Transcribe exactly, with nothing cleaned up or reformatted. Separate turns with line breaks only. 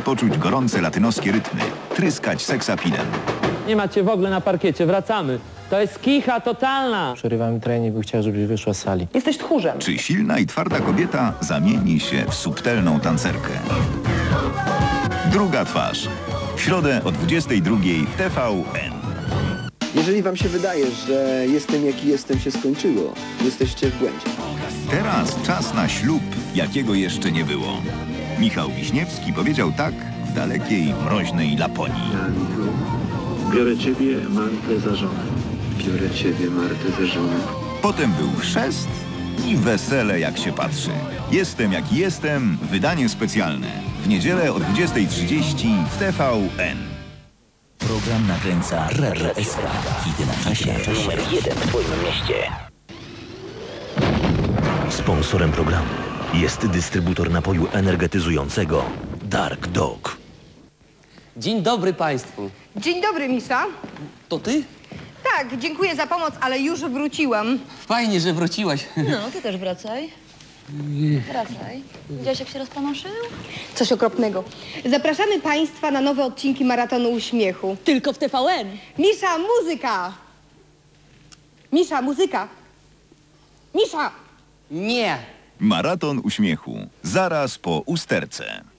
poczuć gorące latynoskie rytmy, tryskać seksapidem.
Nie macie w ogóle na parkiecie, wracamy. To jest kicha totalna.
Przerywamy trening, bo chciałem, żebyś wyszła z sali.
Jesteś tchórzem.
Czy silna i twarda kobieta zamieni się w subtelną tancerkę? Druga twarz. W środę o dwudziestej drugiej w T V N.
Jeżeli wam się wydaje, że jestem jaki jestem się skończyło, jesteście w błędzie.
Teraz czas na ślub, jakiego jeszcze nie było. Michał Wiśniewski powiedział tak w dalekiej, mroźnej Laponii.
Biorę ciebie, Martę, za żonę.
Biorę ciebie, Martę, za żonę.
Potem był chrzest i wesele, jak się patrzy. Jestem jaki jestem, wydanie specjalne. W niedzielę o dwudziestej trzydzieści w T V N.
Program nakręca R R S K. Hity na czasie. Numer jeden w twoim mieście. Sponsorem programu jest dystrybutor napoju energetyzującego Dark Dog.
Dzień dobry państwu.
Dzień dobry, Misza.
To ty?
Tak, dziękuję za pomoc, ale już wróciłam.
Fajnie, że wróciłaś.
No, ty też wracaj. Wracaj. Widziałeś, jak się rozpanoszył?
Coś okropnego. Zapraszamy Państwa na nowe odcinki Maratonu Uśmiechu.
Tylko w T V N.
Misza, muzyka! Misza, muzyka! Misza!
Nie.
Maraton uśmiechu. Zaraz po usterce.